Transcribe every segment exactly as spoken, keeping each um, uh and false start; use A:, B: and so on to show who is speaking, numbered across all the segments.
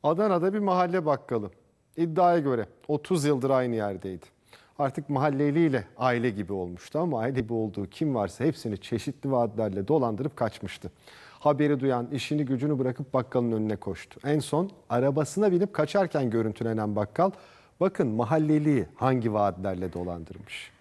A: Adana'da bir mahalle bakkalı. İddiaya göre otuz yıldır aynı yerdeydi. Artık mahalleliyle aile gibi olmuştu ama aile gibi olduğu kim varsa hepsini çeşitli vaatlerle dolandırıp kaçmıştı. Haberi duyan işini gücünü bırakıp bakkalın önüne koştu. En son arabasına binip kaçarken görüntülenen bakkal, bakın mahalleliyi hangi vaatlerle dolandırmış.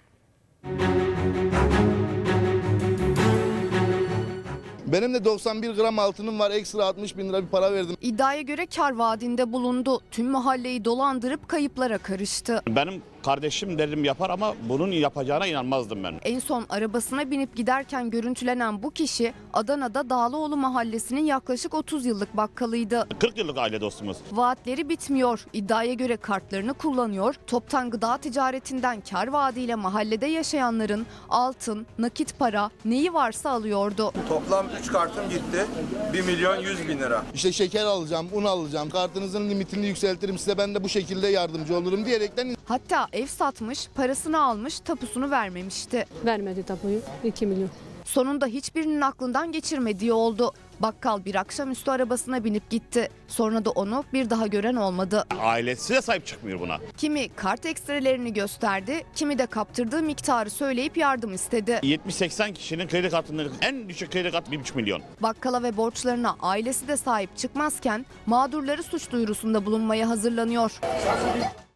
B: Benim de doksan bir gram altınım var, ekstra altmış bin lira bir para verdim.
C: İddiaya göre kar vaadinde bulundu. Tüm mahalleyi dolandırıp kayıplara karıştı.
D: Benim kardeşim dedim yapar ama bunun yapacağına inanmazdım ben.
C: En son arabasına binip giderken görüntülenen bu kişi Adana'da Dağlıoğlu mahallesinin yaklaşık otuz yıllık bakkalıydı.
D: kırk yıllık aile dostumuz.
C: Vaatleri bitmiyor. İddiaya göre kartlarını kullanıyor. Toptan gıda ticaretinden kar vaadiyle mahallede yaşayanların altın, nakit para neyi varsa alıyordu.
E: Toplam üç kartım gitti. bir milyon yüz bin lira.
B: İşte şeker alacağım, un alacağım, kartınızın limitini yükseltirim size, ben de bu şekilde yardımcı olurum diyerekten.
C: Hatta ev satmış, parasını almış, tapusunu vermemişti.
F: Vermedi tapuyu, iki milyon.
C: Sonunda hiçbirinin aklından geçirmediği oldu. Bakkal bir akşamüstü arabasına binip gitti. Sonra da onu bir daha gören olmadı.
D: Ailesi de sahip çıkmıyor buna.
C: Kimi kart ekstrelerini gösterdi, kimi de kaptırdığı miktarı söyleyip yardım istedi.
D: yetmiş seksen kişinin kredi kartının en düşük kredi kartı bir buçuk milyon.
C: Bakkala ve borçlarına ailesi de sahip çıkmazken mağdurları suç duyurusunda bulunmaya hazırlanıyor.